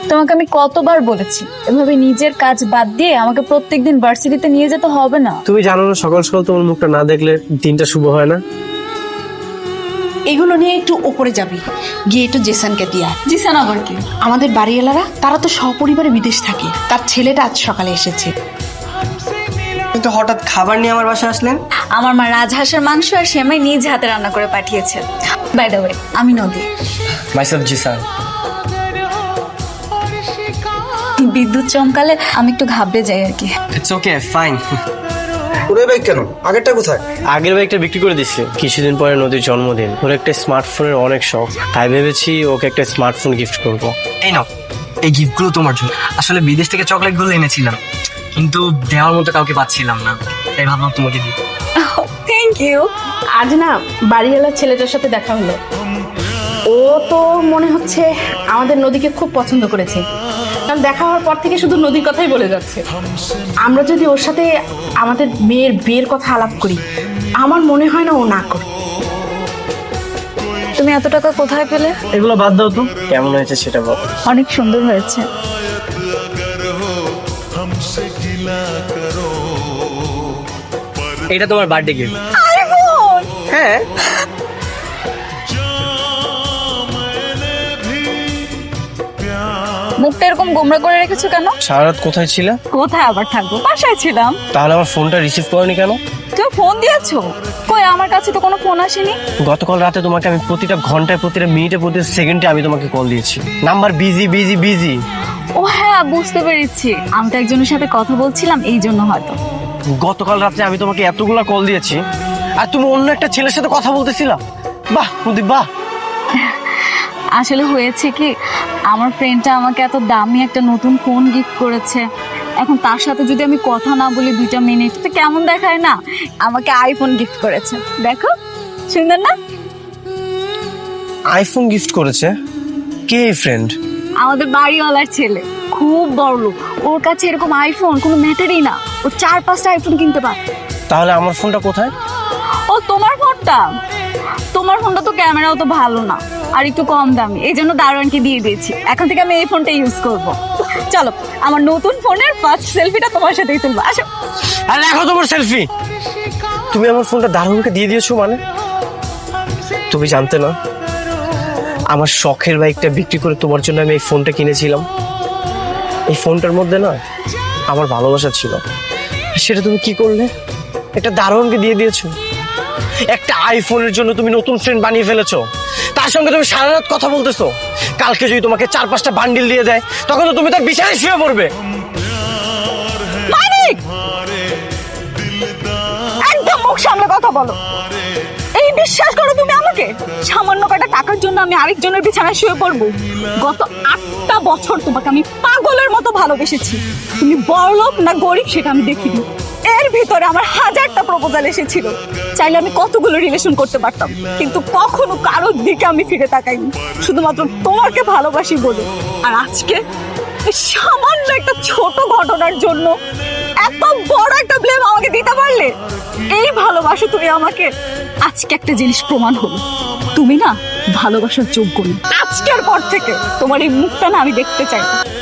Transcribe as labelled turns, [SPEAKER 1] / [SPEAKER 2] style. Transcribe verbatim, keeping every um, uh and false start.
[SPEAKER 1] তোমাকে আমি কতবার বলেছি এভাবে নিজের কাজ বাদ দিয়ে আমাকে প্রত্যেকদিন ভার্সিটিতে নিয়ে যেতে হবে না।
[SPEAKER 2] তুমি জানো না সকাল সকাল তোমার মুখটা না দেখলে দিনটা শুভ হয় না।
[SPEAKER 3] এগুলো নিয়ে একটু ওপরে যাবি, গিয়ে একটু জেসানকে দিয়া।
[SPEAKER 1] জিসান আবার কি?
[SPEAKER 3] আমাদের বাড়িওয়ালারা তারা তো সপরিবারে বিদেশ থাকে, তার ছেলেটা আজ সকালে এসেছে।
[SPEAKER 4] কিন্তু হঠাৎ খাবার নিয়ে আমার বাসায় আসলেন?
[SPEAKER 1] আমার মা রাজহাঁসের মাংস আর সেমাই নিজ হাতে রান্না করে পাঠিয়েছে। বাই দ্য ওয়ে, আমি নদী।
[SPEAKER 4] মাইসেলফ জিসান।
[SPEAKER 1] বিদ্যুৎ চমকালে আমি একটু ঘাবড়ে যাই আর কি।
[SPEAKER 4] It's okay, fine.
[SPEAKER 5] ওরে বাইক কেন? আগেরটা কোথায়?
[SPEAKER 2] আগের বাইকটা বিক্রি করে দিচ্ছি। কিছুদিন পরে নদীর জন্মদিন, ওর একটা স্মার্টফোনের অনেক শখ, তাই ভেবেছি ওকে একটা স্মার্টফোন গিফট করব।
[SPEAKER 4] এই নাও, এই গিফটগুলো তোমার জন্য। আসলে বিদেশ থেকে চকলেটগুলো এনেছিলাম, কিন্তু দেওয়ার মতো কাউকে পাচ্ছিলাম না, তাই ভাবলাম তোমাকে দিই।
[SPEAKER 1] Thank you.
[SPEAKER 3] আজ না বাড়িওয়ালার ছেলেটার সাথে দেখা হলো। ও তো মনে হচ্ছে আমাদের নদীকে খুব পছন্দ করেছে, কারণ দেখা হওয়ার পর থেকে শুধু নদীর কথাই বলে যাচ্ছে। আমরা যদি ওর সাথে আমাদের মেয়ের বিয়ের কথা আলাপ করি, আমার মনে হয় না ও না করে।
[SPEAKER 1] তুমি এত টাকা কোথায় পেলে?
[SPEAKER 2] এগুলো বাদ দাও তো, কেমন হয়েছে সেটা বল।
[SPEAKER 1] অনেক সুন্দর হয়েছে।
[SPEAKER 2] এটা তোমার বার্থডে গিফট।
[SPEAKER 1] আইফোন!
[SPEAKER 2] হ্যাঁ,
[SPEAKER 1] মুখটা এরকম গোমরা করে রেখেছো কেন?
[SPEAKER 2] সারা রাত কোথায় ছিলে?
[SPEAKER 1] কোথায় আবার থাকবো, বাসায় ছিলাম।
[SPEAKER 2] তাহলে আমার ফোনটা রিসিভ করনি কেন?
[SPEAKER 1] তুমি ফোন দিয়েছো? কই, আমার কাছে তো কোনো ফোন আসেনি।
[SPEAKER 2] গতকাল রাতে তোমাকে আমি প্রতিটা ঘন্টায়, প্রতিটা মিনিটে, প্রতিটা সেকেন্ডে আমি তোমাকে কল দিয়েছি। Number busy busy busy.
[SPEAKER 1] ও হ্যাঁ, বুঝতে পেরেছি, আমি তো একজনের সাথে কথা বলছিলাম, এই জন্য হয়তো।
[SPEAKER 2] গতকাল রাতে আমি তোমাকে এতগুলা কল দিয়েছি আর তুমি অন্য একটা ছেলের সাথে কথা বলতেছিলা। বাহ প্রদীপ, বাহ।
[SPEAKER 1] আসলে হয়েছে কি, আমার ফ্রেন্ডটা আমাকে এত দামি একটা নতুন ফোন গিফট করেছে। এখন তার সাথে যদি আমি কথা না বলি দুইটা মিনিট, তো কেমন দেখায় না? আমাকে আইফোন গিফট করেছে, দেখো সুন্দর না?
[SPEAKER 2] আইফোন গিফট করেছে? কে এই ফ্রেন্ড?
[SPEAKER 1] আমাদের বাড়িওয়ালার ছেলে, খুব বড় লোক। ওর কাছে এরকম আইফোন কোনো ম্যাটারই না, ও চার পাঁচটা আইফোন কিনতে পারে।
[SPEAKER 2] তাহলে আমার ফোনটা কোথায়?
[SPEAKER 1] ও তোমার ফোনটা? তোমার ফোনটা তো ক্যামেরাও তো ভালো না, আর একটু কম দামি, এই জন্য দারোয়ানকে দিয়ে দিয়েছি। এখন থেকে আমি এই ফোনটা ইউজ করব। চলো, আমার নতুন ফোনের ফার্স্ট সেলফিটা তোমার সাথেই তুলবো, আসো।
[SPEAKER 2] আরে দেখো তোমার সেলফি। তুমি আমার ফোনটা দারুণকে দিয়ে দিয়েছো মানে? তুমি জানতে না, আমার শখের বাইকটা বিক্রি করে তোমার জন্য আমি এই ফোনটা কিনেছিলাম। এই ফোনটার মধ্যে না আমার ভালোবাসা ছিল, সেটা তুমি কি করলে? একটা দারুণকে দিয়ে দিয়েছো। একটা আইফোনের জন্য তুমি নতুন ফ্রেন্ড বানিয়ে ফেলেছো, তার সঙ্গে তুমি সারা রাত কথা বলতেছো। কালকে যদি তোমাকে চার পাঁচটা বান্ডিল দিয়ে দেয়, তখন তো তুমি তার বিছানায় শুয়ে পড়বে।
[SPEAKER 1] মানিক, একদম মুখ সামলে কথা বলো। এই বিশ্বাস করো তুমি আমাকে? সামান্য কটা টাকার জন্য আমি আরেকজনের বিছানায় শুয়ে পড়বো? গত আটটা বছর তোমাকে আমি পাগলের মতো ভালোবেসেছি। তুমি বড়লোক না গরিব সেটা আমি দেখিনি। এর ভিতরে আমার হাজারটা প্রপোজাল এসেছিল, চাইলে আমি কতগুলো রিলেশন করতে পারতাম, কিন্তু কখনো কারোর দিকে আমি ফিরে তাকাইনি, শুধুমাত্র তোমাকে ভালোবাসি বলে। আর আজকে এই সামান্য একটা ছোট ঘটনার জন্য এত বড় একটা ব্লেম আমাকে দিতে পারলে? এই ভালোবাসো তুমি আমাকে? আজকে একটা জিনিস প্রমাণ হলো, তুমি না ভালোবাসার যোগ্য না। আজকের পর থেকে তোমার এই মুখটা না আমি দেখতে চাই না।